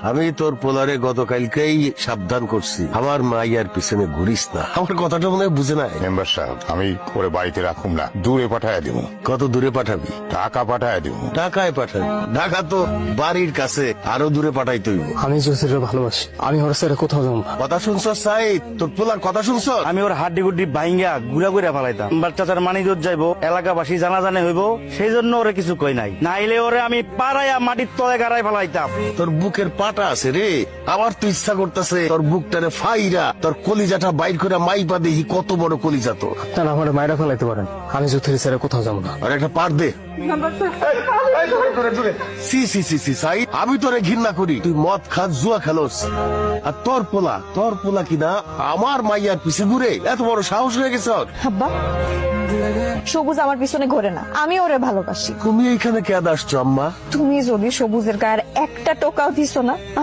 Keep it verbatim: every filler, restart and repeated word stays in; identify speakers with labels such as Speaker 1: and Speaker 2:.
Speaker 1: আমি তোর পোলারে গতকালকেই সাবধান করছি, আমার মাইয়ার পিছনে ঘুরিস না। আমার কথাটা মনে হয় বুঝে নাই।
Speaker 2: মেম্বার সাহেব, আমি ওরে বাড়িতে রাখুম না, দূরে পাঠায় দিব।
Speaker 1: কত দূরে পাঠাবি?
Speaker 2: টাকা পাঠায় দিব।
Speaker 1: ঢাকায় পাঠাবি? ঢাকা তো বাড়ির কাছে, আরো দূরে পাঠাইতে হইব।
Speaker 3: আমি জ্যোতিরে ভালোবাসি, আমি ওর ছেড়ে কোথাও যাবো না।
Speaker 1: কথা শুনছ সাইদ? তোর পোলার কথা শুনছ?
Speaker 4: আমি ওর হাড্ডি গুড্ডি ভাইঙ্গা গুড়া গুড়া ফেলাইতাম। বাচ্চাটার মানিজত যাইবো, এলাকাবাসী জানা জানে হইব, সেই জন্য ওরে কিছু কই নাই। নাইলে ওরে আমি পাড়াইয়া মাটির তলে গাড়াই ফেলাইতাম।
Speaker 1: তোর বুকের পাটা আছে রে, আমার তো ইচ্ছা করতেছে তোর বুকটারে ফাইরা তোর কলিজাটা বাইর করে মাইপা দেখি কত বড় কলিজা তো।
Speaker 3: আপনারা আমার মায়েরা ফেলাইতে পারেন, আমি জ্যোতির ছেড়ে কোথাও যাবো না।
Speaker 1: আর একটা পার দে। সি সি সি সি সাইদ, আমি তোরে ঘৃণা করি। তুই মদ খাস, জুয়া খেলোস, আর তোর পোলা তোর পোলা কিনা আমার মাইয়ার পিছে ঘুরে এত বড় সাহস হয়ে গেছে ওর।
Speaker 5: আব্বা, সবুজ আমার পিছনে ঘোরে না, আমি ওরে ভালোবাসি।
Speaker 1: তুমি এইখানে কেন আসছো আম্মা?
Speaker 5: তুমি যদি সবুজের গায়ের একটা টোকাও দিছো না,